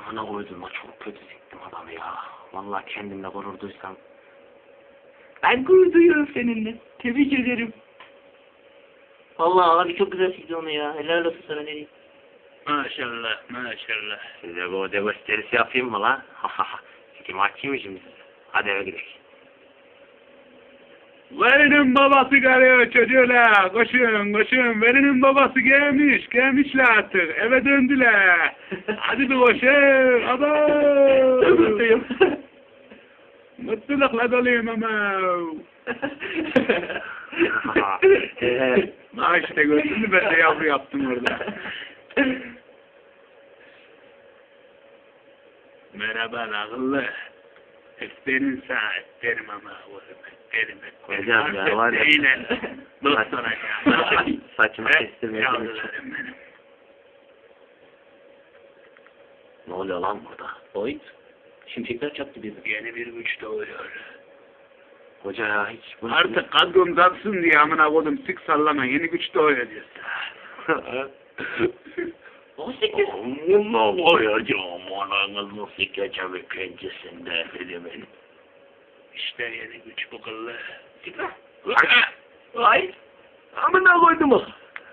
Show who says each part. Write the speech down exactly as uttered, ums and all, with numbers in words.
Speaker 1: Amına koydum ha, çok kötü siktim adamı ya. Vallahi kendimle gurur duysam. Ben gurur duyuyorum seninle. Tebrik ederim. Vallahi abi çok güzel sikti onu ya. Helal olsun sana, ne diyeyim.
Speaker 2: Maşallah, maşallah.
Speaker 1: Size bu öde gösterisi yapayım mı lan? Ha ha ha. Sikim açayım şimdi size. Hadi eve gidelim.
Speaker 2: Verinin babası geliyor çocuğlar. Koşun, koşun. Verinin babası gelmiş, gelmişler artık. Eve döndüler. Hadi bir koşun. Adam.
Speaker 1: Mutluyum.
Speaker 2: Mutlulukla doluyum ama. Ha işte gördün mü, ben de yavru yaptım orada. Merhaba akıllı. Öperim sana, öperim ama oğlum, öperim.
Speaker 1: Hocam ya, var ya.
Speaker 2: Eğlen. Dost olacağım.
Speaker 1: Saçımı kestirmeye
Speaker 2: Yavrularım
Speaker 1: çalışıyorum.
Speaker 2: benim.
Speaker 1: Ne oluyor lan burada? Oy. Şimşekler çaktı bizi.
Speaker 2: Yeni bir güç doğuyor.
Speaker 1: Hoca ya hiç... bunu-
Speaker 2: Artık kadrom zatsın diye amına koydum, sık sallama, yeni güç doğuyor diyorsun.
Speaker 1: on sekiz.
Speaker 2: Bunu koyacağım ananızın sikeceğimi pençesinde elimin. İşte yeni güç bu kıllı.
Speaker 1: Ay. Amına koydum o.